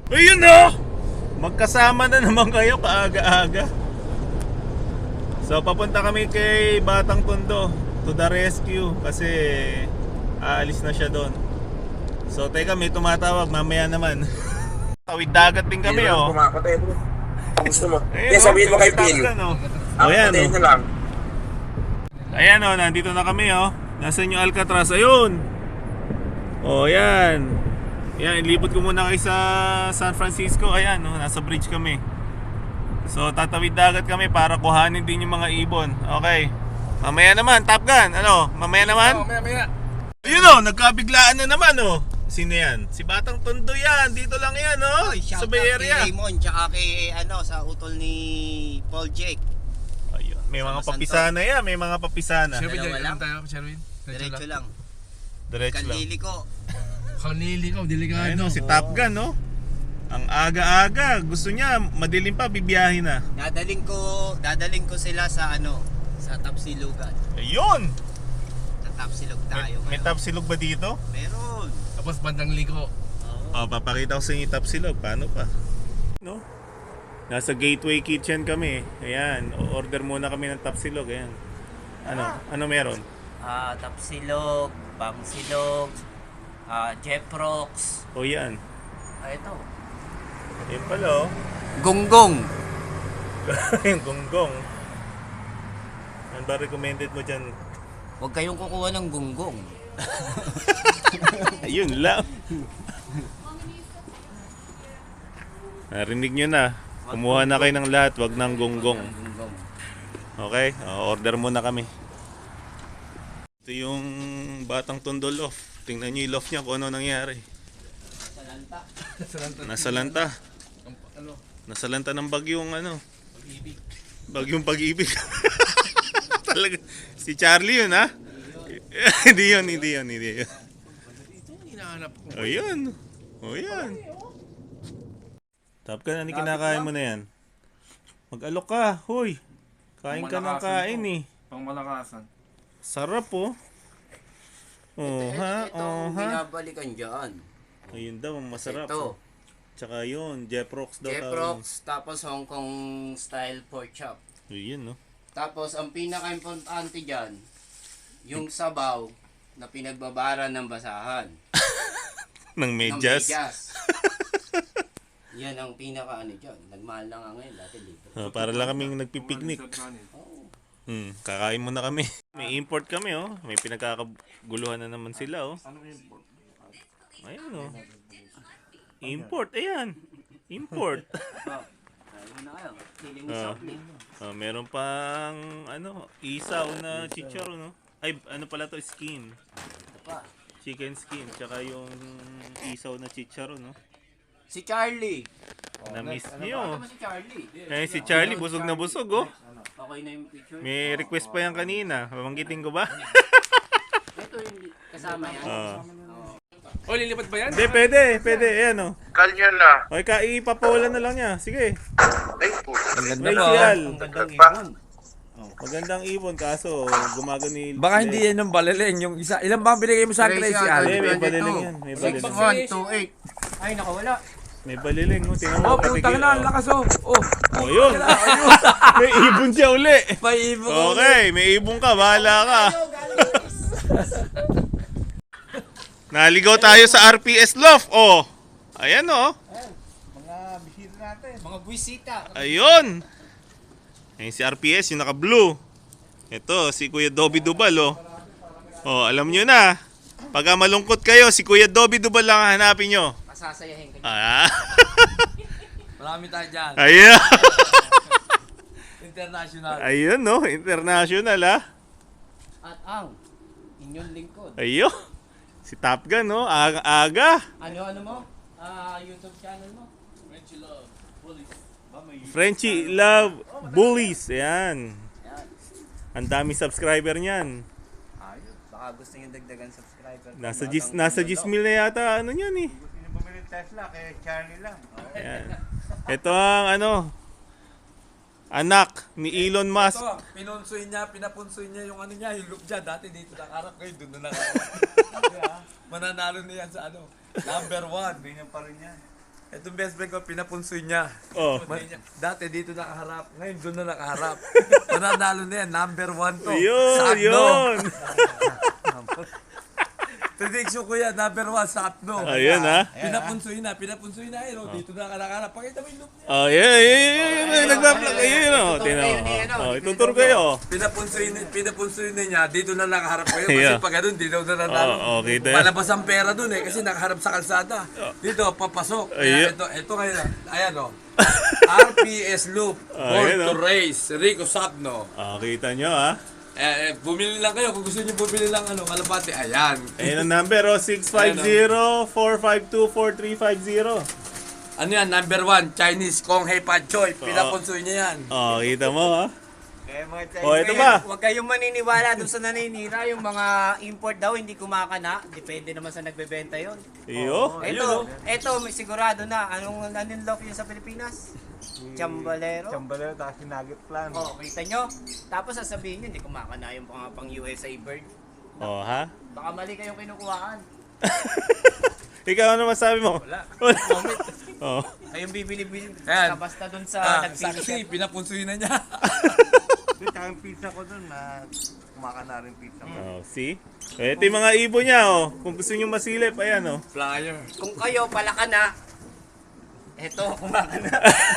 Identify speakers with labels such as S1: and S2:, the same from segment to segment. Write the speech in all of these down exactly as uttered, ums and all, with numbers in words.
S1: Ayun oh! Magkasama na naman kayo kaaga-aga. So papunta kami kay Batang Tondo to the rescue kasi aalis na siya doon. So teka, may tumatawag mamaya naman. Tawid dagat din kami oh.
S2: Pumakatay bro. Gusto mo?
S1: Ayun,
S2: Kaya sabihin mo kay Phil.
S1: oh.
S2: Ako
S1: Ayan
S2: patayin
S1: oh.
S2: na lang.
S1: Ayan oh, nandito na kami oh. Nasaan yung Alcatraz? Ayun. Oh, yan. Yan, ilipot ko muna kay sa San Francisco. Ayan oh, nasa bridge kami. So tatawid dagat kami para kuhanin din yung mga ibon. Okay. Mamaya naman, Top Gun. Ano? Mamaya naman?
S3: Mamaya, mamaya.
S1: Ayun oh, nagkabiglaan na naman oh. Sino yan? Si Batang Tondo yan. Dito lang yan oh.
S4: Oy,
S1: Sa
S4: shout
S1: Bay
S4: out
S1: Area.
S4: kay Raymond tsaka kay ano sa utol ni Paul Jake.
S1: Ayun. May mga
S4: Sama
S1: papisana yan. May mga papisana.
S3: Sherwin,
S4: Dalawa
S3: dyan
S4: lang.
S3: tayo, Sherwin.
S4: Diretso lang.
S1: Diretso lang.
S4: Kanlili ko.
S3: Kanili ko, delikado.
S1: Ayun oh, si Top Gun no. Ang aga-aga. Gusto niya, madilim pa, bibiyahin na.
S4: Dadaling ko, dadaling ko sila sa ano, sa Tapsilugan.
S1: Ayun!
S4: Sa Tapsilog
S1: May,
S4: tayo.
S1: may
S4: ngayon.
S1: tapsilog ba dito?
S4: Meron.
S3: Tapos bandang liko.
S4: Oo.
S1: Oh, papakita ko sa inyo yung tapsilog. Paano pa? No? Nasa Gateway Kitchen kami. Ayan, order muna kami ng tapsilog. Ayan. Ano? Ano meron?
S4: Ah, Tapsilog, Bangsilog, ah, Jeprox.
S1: O yan.
S4: Ah, ito.
S1: Ayun pala oh.
S4: Gonggong.
S1: Yung gonggong. Ano ba recommended mo dyan?
S4: Huwag kayong kukuha ng gonggong.
S1: Ayun lang. Narinig nyo na. Kumuha na kayo ng lahat. Wag ng gonggong.
S4: Gonggong.
S1: Okay? O, order muna kami. Ito yung Batang Tondo loft. Tingnan nyo yung loft niya kung ano nangyari.
S4: Sa lanta.
S1: Nasa lanta.
S3: Ano?
S1: Nasa lanta ng bagyong ano.
S4: Pag-ibig.
S1: Bagyong pag-ibig. Talaga. Si Charlie yun ha? Hindi yun, hindi yun, hindi yun.
S3: Ito yung hinahanap ko.
S1: O yun. O yan. Top ka na, kinakain mo na yan. Mag-alok ka, huy. Kain ka ng kain eh.
S3: Pang malakasan.
S1: Sarap oh. Oh ha,
S4: Ito
S1: oh
S4: ang
S1: ha.
S4: binabalikan dyan.
S1: Ayun daw, masarap.
S4: Ito.
S1: Tsaka yun, Jeprox daw.
S4: Jeprox, tapos Hong Kong style pork chop.
S1: Yun no.
S4: Tapos ang pinaka-importante dyan, yung sabaw na pinagbabara ng basahan.
S1: Ng
S4: Ng
S1: medyas.
S4: medyas. Yan ang pinaka ano dyan. Nagmahal na nga ngayon, dati libre.
S1: Oh, para lang kaming nagpipiknik.
S4: Oh.
S1: Hmm, kakain muna kami. May import kami oh. May pinagkakaguluhan na naman sila oh. Ayun oh. Import, ayan. Import.
S4: Oh. Ayun na kayo. Feeling mo
S1: Ah.
S4: soft drink.
S1: Ah, meron pang ano, isaw na chicharo no. Ay, ano pala to, skin.
S4: Ito pa.
S1: Chicken skin, tsaka yung isaw na chicharo no.
S4: Si Charlie.
S1: Na-miss
S4: Ito
S1: niyo.
S4: ba si Charlie?
S1: Eh, si Charlie, busog na busog oh.
S4: Okay na yung picture.
S1: May request pa yan kanina. Babanggitin ko ba?
S4: Ito yung kasama yan.
S1: Ah.
S3: O, lilipat ba yan?
S1: Hindi, pwede, pwede. Ayan oh.
S2: Kalyo na.
S1: Okay, ka, ipapawalan na lang niya. Sige.
S2: Ay po.
S1: Rachel.
S4: Magandang
S2: Pa.
S4: ibon.
S1: Magandang ibon, kaso gumagano yung...
S5: Baka hindi yan ng balileng. Yung isa, ilan ba ang binigay mo sa akin,
S4: Tracy,
S5: si
S1: Hindi,
S5: Ali?
S1: may baliling yan. May baliling.
S4: one two eight. Ay, nakawala.
S1: May baliling. Oh, tingnan
S5: Oh,
S1: mo.
S5: putang na, ang lakas oh. Oh,
S1: Oh, yun. May ibon siya uli.
S5: may ibon ko.
S1: Okay, may ibon ka. Bahala ka. Naligaw tayo sa R P S Loft. Oh. Ayan oh.
S4: Mga buwisita.
S1: Ayun. Ayun si R P S, yung naka-blue. Ito, si Kuya Dobby Dubal oh. Oh, alam nyo na. Pagka malungkot kayo, si Kuya Dobby Dubal lang ang hanapin nyo.
S4: Masasayahin ka.
S1: Ah.
S5: Marami tayo dyan.
S1: Ayun.
S5: International.
S1: Ayun no, international ah.
S4: At ang inyong lingkod.
S1: Ayun. Si Top Gun no, aga-aga.
S4: Ano ano mo? Ah, YouTube channel mo?
S1: Frenchie Love Bullies. Ayan. Ang dami subscriber niyan.
S4: Ayun. Baka gusto niyo dagdagan subscriber.
S1: Nasa gis nasa gis mil na yata ano niyan eh.
S2: Gusto niyo bumili ng Tesla kay Charlie lang.
S1: Ayan. Ito ang ano anak ni Elon Musk.
S5: Ito, pinunsoy niya, pinapunsoy niya yung ano niya, yung loop niya. Dati dito nakarap kayo, doon na nakarap. Mananalo na yan sa ano, number one.
S2: Ganyan pa rin yan.
S5: Itong best friend ko, pinapunsoy niya.
S1: Oh.
S5: Ma- Dati dito nakaharap, ngayon doon na nakaharap. Nananalo na yan, number one to.
S1: Yun,
S5: Sakno.
S1: yun.
S5: Prediction ko yan, number one, Sakno.
S1: Ayun ha.
S5: Pinapunsoy na, pinapunsoy na yun. Oh. Dito na nakaharap. Pakita mo yung loop niya.
S1: Oh, yeah, yeah, yeah, yeah. Nagpa-vlog. Ayun o. Tingnan mo. Oh, itutur kayo.
S5: Pinapunsoy na, pinapunsoy na niya, dito na nakaharap kayo. Kasi
S1: Yeah.
S5: pag ganun, dito na nanalo.
S1: Oh, okay, tayo.
S5: Palabas ang pera dun eh, kasi nakaharap sa kalsada. Dito, papasok. Kaya
S1: Ayun.
S5: ito, ito ngayon, ayan o. R P S Loop, Born
S1: Ayun,
S5: to
S1: oh.
S5: Race, Rico Sabno.
S1: Ah, kita nyo ha.
S5: Eh, eh, bumili lang kayo kung gusto niyo bumili lang ano, kalapate. Ayan.
S1: Ayun ang number oh. six five zero, four five two, four three five zero.
S5: Ano yan, number one, Chinese Kong Hei Pan Choi. Pinapunsoy niya yan.
S1: Oh, kita mo ha.
S2: Kaya mga Chinese.
S1: Oh, ito ba?
S4: Huwag kayong maniniwala dun sa naninira. Yung mga import daw hindi kumakana. Depende naman sa nagbebenta yon.
S1: Iyo.
S4: Ito, ito may sigurado na. Anong naninlock yun sa Pilipinas? Chambalero.
S2: Chambalero, tapos yung nugget plan.
S4: Oh, kita nyo? Tapos sasabihin nyo, hindi kumakana yung mga pang U S A bird.
S1: Oh, ha?
S4: Baka mali kayong kinukuhaan.
S1: Ikaw ano masabi mo?
S4: Wala.
S1: Wala.
S4: Comment.
S1: Oh.
S4: Kayong bibili-bili.
S5: Ayan.
S4: Basta, basta dun sa
S5: Ah,
S4: nagpili
S5: saksi, pinapunsoy na niya.
S2: Yung tsaka yung pizza ko dun, na kumakana rin pizza ko.
S1: Oh, see? Ito yung mga ibon niya oh. Kung gusto niyo masilip, ayan oh.
S5: Flyer.
S4: Kung kayo pala ka na, eto, kumakana.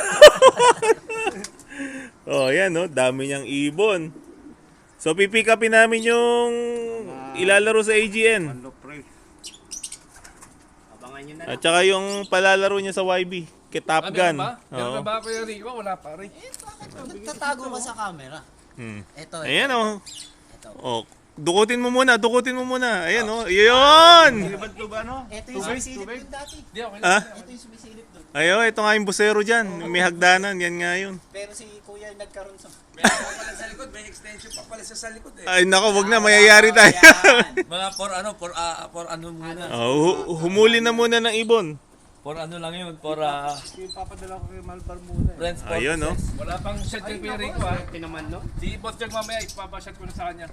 S1: Oh, ayan oh. Dami niyang ibon. So, pipick upin namin yung ilalaro sa A G N.
S2: Ano price?
S4: Abangan nyo na
S1: At
S4: lang.
S1: saka yung palalaro niya sa Y B. Kay Top
S3: Ah,
S1: Gun.
S3: meron ba? Meron
S1: Oo.
S3: ba ako yung Rico? Wala pa rin.
S4: Nagtatago ka sa camera.
S1: Hmm.
S4: Ito,
S1: Ayan oh.
S4: ito.
S1: Oh, dukutin mo muna, dukutin mo muna. Ayan oh. Yun!
S2: Ba't to ba ano?
S4: Ito yung sumisilip dun dati.
S3: Hindi, okay lang.
S1: Ah?
S4: Ito yung sumisilip dun.
S1: Ayo, ito nga yung busero dyan. May hagdanan, yan nga yun.
S4: Pero si Kuya nagkaroon sa...
S5: Meron pa pala sa likod, may extension pa pala siya sa likod eh.
S1: Ay nako, wag na, mayayari tayo.
S4: Ayan.
S5: Mga for ano, for, ah, for ano muna.
S1: Oh, hu- humuli na muna ng ibon.
S5: For ano lang yun, for uh,
S2: Yung papadala ko kay Malbar muna eh.
S5: friends purposes.
S1: Ayun, oh.
S3: Wala pang shot yung Kuya Rico ha.
S4: Swerte naman, no?
S3: Di boss yung mamaya, ipapashot ko na sa kanya.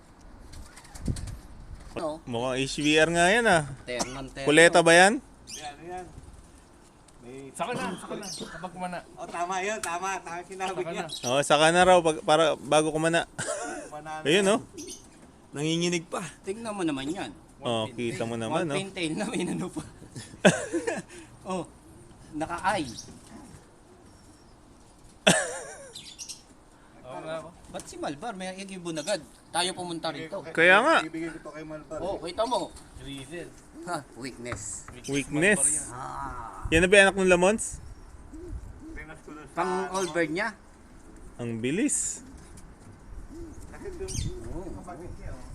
S4: No.
S1: Mukhang H V R nga yan ah.
S4: Ternan, ternan.
S1: Kuleta ba yan?
S2: Yan, yan. May...
S3: Saka na, saka na. Kapag kumana.
S2: Oh, tama yun, tama. Tama yung sinabi
S3: Saka
S2: niya.
S3: na.
S1: Oh, saka na raw pag, para bago kumana.
S2: Banana.
S1: Ayun oh.
S5: Nanginginig pa.
S4: Tingnan mo naman yan.
S1: Oh, kita mo naman
S4: One
S1: oh.
S4: pintail na may nano pa. Oh, naka-eye.
S3: Oo nga ako.
S4: Ba't si Malbar may ibon agad? Tayo pumunta rito.
S1: Kaya nga,
S2: Ibigay ko to kay Malbar.
S4: Oh, kita mo.
S3: Reason.
S4: Ha, weakness.
S1: weakness.
S4: Ah.
S1: Yan na ba yung anak ng Lamons?
S2: Pinas ko dun sa...
S4: Pang all bird niya.
S1: Ang bilis.
S2: Kasi dun,
S4: Oh.
S2: kapatid niya, oh.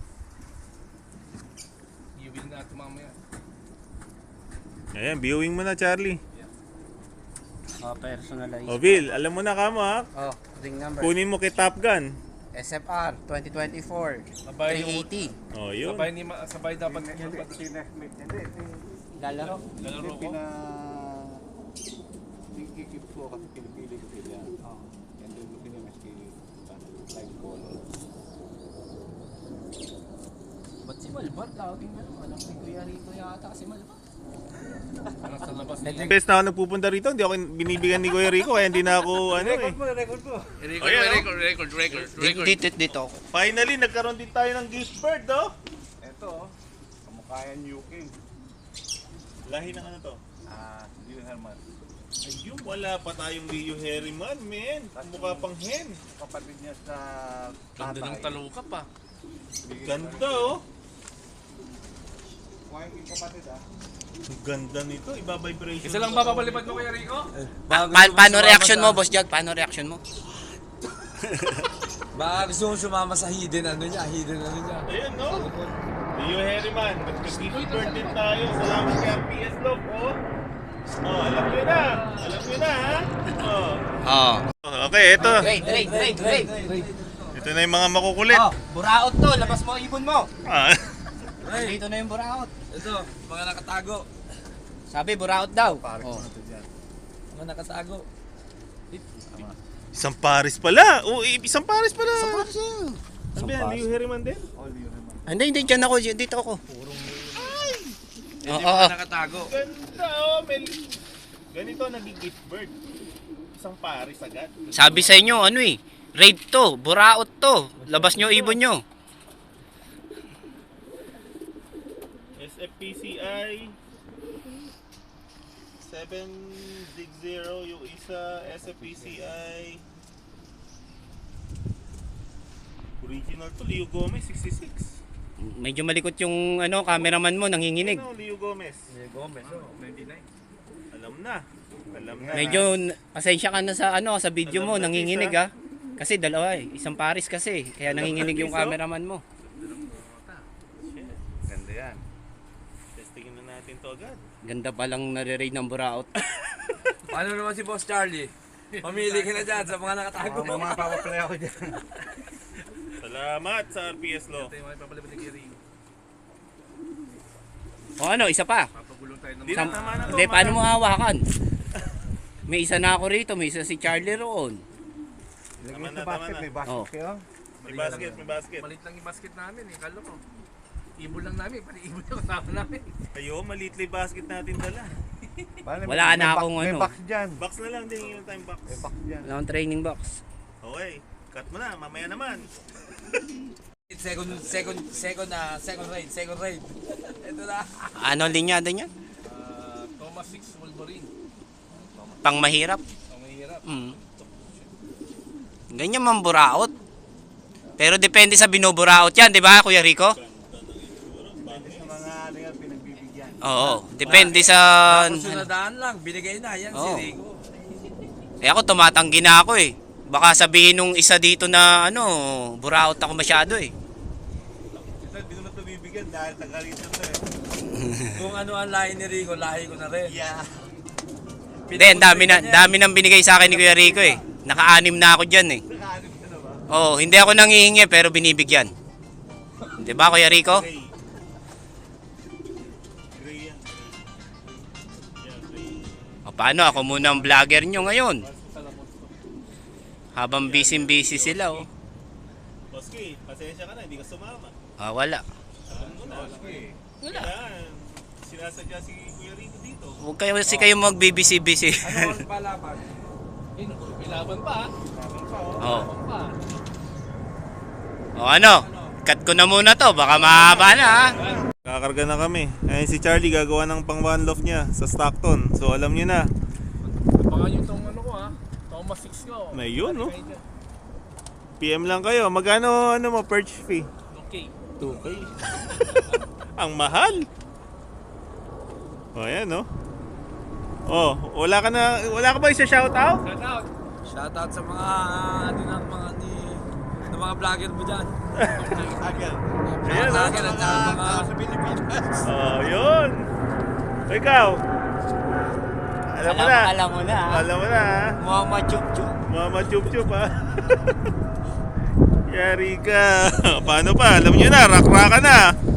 S3: Iubil na ito mamaya.
S1: Ayan, viewing mo na Charlie.
S4: Oh, personalized.
S1: Oh, Bill, alam mo na ka mo ha.
S4: Oh, ring number.
S1: Kunin mo kay Top Gun.
S4: S F R twenty twenty-four.
S3: Sabay
S4: three
S3: yung...
S4: eighty.
S1: Oh, yun.
S3: Sabay, ni, ma- sabay dapat.
S2: Hindi, sinasmith. Hindi, ito yung...
S4: Lalaro.
S3: Lalaro
S2: Yung
S3: ko.
S2: pina... Ikikip ko kasi pinipili ko sila.
S4: Oh.
S2: Yan doon ko pinamas kay light color.
S4: Ba't si Malbar? Tawagin mo. Alam ni Kuya Rico yata si Malbar.
S3: Ano sa labas
S1: Yung
S3: niya.
S1: best na ako nagpupunta rito, hindi ako binibigyan ni Kuya Rico, kaya hindi na ako ano eh.
S2: mo, record mo.
S3: Record,
S1: Ayan, oh.
S3: record, record, record, record.
S4: Dito, dito.
S1: Finally, nagkaroon din tayo ng gift bird, oh.
S2: Ito, oh. Kamukha yan New King.
S1: Lahi ng ano to?
S2: Ah, Leo Herman.
S1: Ayun, wala pa tayong Leo Herriman, man. Mukha pang hen.
S2: Kapatid niya sa
S3: Ganda ng
S2: tatay.
S3: taluka pa.
S1: Ganda, oh.
S2: Kuha yung kapatid, ah.
S1: Ang ganda nito, iba-vibration.
S3: Isa lang ba papalipad mo Kuya Rico?
S5: Baka
S4: Pa-
S5: gusto
S4: paano
S5: mong
S4: reaction mo,
S5: sumama
S4: Boss Jag? Paano reaction mo?
S5: sa- Baka gusto mong sumama sa hidden ano niya, hidden ano niya.
S1: Ayun, no? Leo Herriman, nag-gift bird din tayo. Salamat kay R P S Love, oh. Oh, alam nyo na. Alam nyo na, ha? Oh.
S4: Oo.
S1: Okay, ito.
S4: Trade, trade, trade, trade.
S1: Ito na yung mga makukulit.
S4: Oh, buraot to. Labas mo ang ibon mo.
S1: Ah.
S4: Dito na yung buraot.
S5: Ito, mga nakatago.
S4: Sabi, buraot daw. Oh.
S5: Mga nakatago.
S1: Isang Paris pala. Oh, isang Paris pala.
S4: Paris yun.
S1: Ano ba yan? Leo Herriman din?
S2: Oh, Leo Herman.
S4: Hindi, hindi. Diyan ako. Dito ako.
S5: Ito
S4: Oo,
S5: yung
S4: oo.
S5: mga nakatago.
S1: Ganda, oh. May... Ganito naging gift bird. Isang pares agad.
S4: Sabi sa inyo, ano eh, raid to, buraot to. Labas nyo ibon nyo.
S1: S F P C I seven sixty yung isa, S F P C I original to, Leo Gomez sixty-six.
S4: Medyo malikot yung ano, cameraman mo, nanginginig.
S1: Ano, Leo Gomez?
S5: Gomez, oh, ninety-nine.
S1: Alam na. Alam na.
S4: Medyo n- pasensya ka na sa ano, sa video mo, nanginginig ah. Kasi dalawa eh, isang pares kasi, kaya nanginginig yung cameraman mo.
S1: Shit.
S2: Ganda yan.
S1: Testingin na natin to agad.
S4: Ganda palang nare-raid ng buraot.
S5: Paano naman si Boss Charlie? Mamili ka na dyan sa mga nakatago.
S2: Mga mga papaplay ako dyan.
S1: Salamat sa R P S Law.
S3: Ito yung mga papalipad ni Kuya Rico.
S4: O ano, isa pa.
S3: Papagulong tayo ng
S1: Di
S4: Sam-
S1: na, tama na to.
S4: Hindi, paano mo hawakan? May isa na ako rito, may isa si Charlie roon.
S2: Ilagay
S1: Tama
S2: sa
S1: na,
S2: basket,
S1: tama na.
S2: may basket
S4: Oh.
S2: kayo.
S1: May basket, may basket.
S3: Malit lang yung basket namin eh. Kalo ko. Ibon lang namin. Pati ibon yung kasama namin.
S1: Ayo, maliit lang yung basket natin dala.
S2: Paano,
S4: Wala
S2: may
S4: na
S2: box-
S4: akong
S2: May
S4: ano.
S2: box dyan.
S1: Box na lang din yung time box.
S2: May box dyan.
S4: Wala akong training box.
S1: Okay, cut mo na, mamaya naman.
S5: Second, second, second na, second raid, second raid. Ito na.
S4: Ano linyada niya?
S3: Ah, Thomas six Wolverine.
S4: Pang mahirap.
S3: Ang mahirap.
S4: Mm. Ganyan man buraot. Pero depende sa binuburaot yan, di ba Kuya Rico?
S2: Depende sa mga ano yan, pinagbibigyan.
S4: Oo, depende sa...
S5: Tapos yung nadaan lang, binigay na. Yan
S4: Oo.
S5: si Rico.
S4: Eh ako tumatanggi na ako eh. Baka sabihin nung isa dito na ano, buraot ako masyado eh.
S2: Ito, hindi naman ito bibigyan dahil taga-rito to eh.
S5: Kung ano ang lahi ni Rico, lahi ko na rin.
S2: Yeah.
S4: Hindi, ang dami na, dami nang binigay sa akin ni Kuya Rico eh. Naka-anim na ako dyan eh.
S2: Nakaanip ka na ba?
S4: Oo, hindi ako nangihingi pero binibigyan. Di ba Kuya Rico?
S1: Gray. Gray yan. Yeah, gray.
S4: O paano, ako muna ang vlogger nyo ngayon. Habang busy-busy sila oh.
S1: Boski, pasensya ka na, hindi ka sumama.
S4: Ah, wala.
S1: Alam mo na.
S4: Wala.
S1: Yan. Sinasadya si Kuya Rico dito.
S4: Huwag kayo kasi kayo magbibisi-bisi.
S5: Ano ang palaban?
S3: Eh, may laban pa ah.
S4: Oo.
S3: Laban pa.
S4: O ano, cut ko na muna to, baka mahaba na ha.
S1: Kakarga na kami. Ayun si Charlie gagawa ng pang one loft niya sa Stockton. So alam niyo na.
S3: Baka yung tong ano ko ah. Thomas six ko.
S1: May yun, no? P M lang kayo. Magkano ano mo perch fee?
S3: Okay.
S1: two K. Ang mahal. O ayan, no? Oh, wala ka na, wala ka ba isa shout out?
S3: Shout out.
S5: Shoutout sa mga, ano ng mga, ni, ng mga vlogger mo dyan.
S2: Agad.
S1: Ayan, no?
S5: Vlogger at saka mga,
S2: Sa Pilipinas.
S1: Oh, yun. O, ikaw. Alam mo na.
S4: Alam mo na ha.
S1: Alam mo na, ha?
S4: Mama chup-chup.
S1: Mama chup-chup, ha? Yari ka. Paano pa? Alam niyo na, rak-raka na.